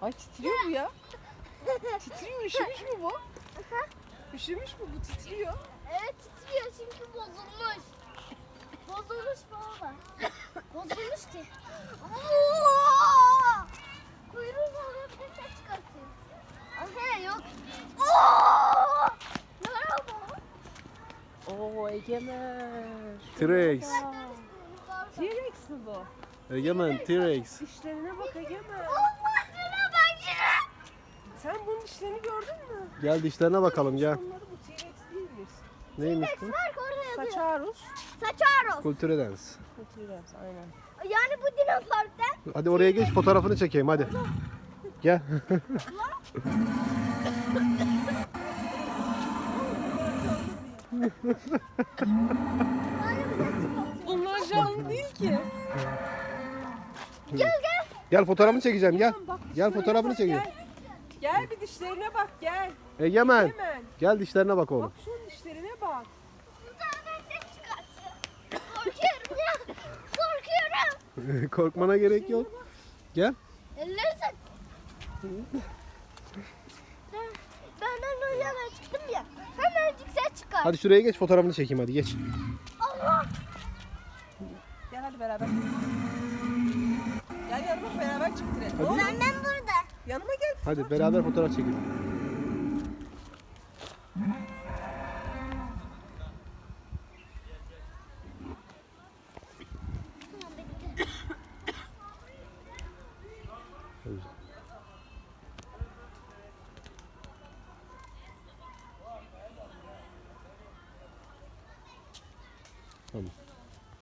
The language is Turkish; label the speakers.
Speaker 1: Ay titriyor bu ya. Titriyor, üşümüş mü bu? Üşümüş mü bu, titriyor?
Speaker 2: Evet titriyor çünkü bozulmuş. Bozulmuş baba. Bozulmuş ki. Kuyruğu oluyor bir de ses çıkartıyor. Aha yok. Merhaba.
Speaker 1: Oo Egemen.
Speaker 3: T-Rex.
Speaker 1: T-Rex mi bu?
Speaker 3: Egemen T-Rex.
Speaker 1: Dişlerine bak Egemen.
Speaker 2: Allah'ına bak ya.
Speaker 1: Sen bunun dişlerini gördün mü?
Speaker 3: Gel dişlerine bakalım gel.
Speaker 1: Bunları bu T-Rex değilmiş.
Speaker 3: Neymiş bu?
Speaker 2: Bak orada yazıyor.
Speaker 1: Saçarus.
Speaker 2: Saçaros.
Speaker 3: Kulturedens.
Speaker 1: Bu T-Rex aynen.
Speaker 2: Yani bu Dino Park'ta.
Speaker 3: Hadi oraya geç fotoğrafını çekeyim hadi. Gel.
Speaker 1: Bunlar canlı değil ki.
Speaker 2: Gel gel.
Speaker 3: Gel fotoğrafını çekeceğim gel.
Speaker 1: Bak,
Speaker 3: Gel
Speaker 1: dişlerine
Speaker 3: fotoğrafını
Speaker 1: bak,
Speaker 3: çekeyim.
Speaker 1: Gel. Gel bir dişlerine bak gel.
Speaker 3: Egemen.
Speaker 1: Hemen.
Speaker 3: Gel dişlerine bak oğlum.
Speaker 1: Bak şunun dişlerine bak.
Speaker 2: Buradan ses çıkartıyor. Korkuyorum ya. Korkuyorum.
Speaker 3: Korkmana gerek yok. Gel.
Speaker 2: Elleri tak. Benden önce ben çıktım ya. Hemencik ses çıkar.
Speaker 3: Hadi şuraya geç fotoğrafını çekeyim hadi geç.
Speaker 2: Allah.
Speaker 1: Gel hadi beraber. Gel yanıma beraber çıktıralım.
Speaker 3: Hadi.
Speaker 2: Benden burada.
Speaker 1: Yanıma gel.
Speaker 3: Hadi beraber fotoğraf çekelim.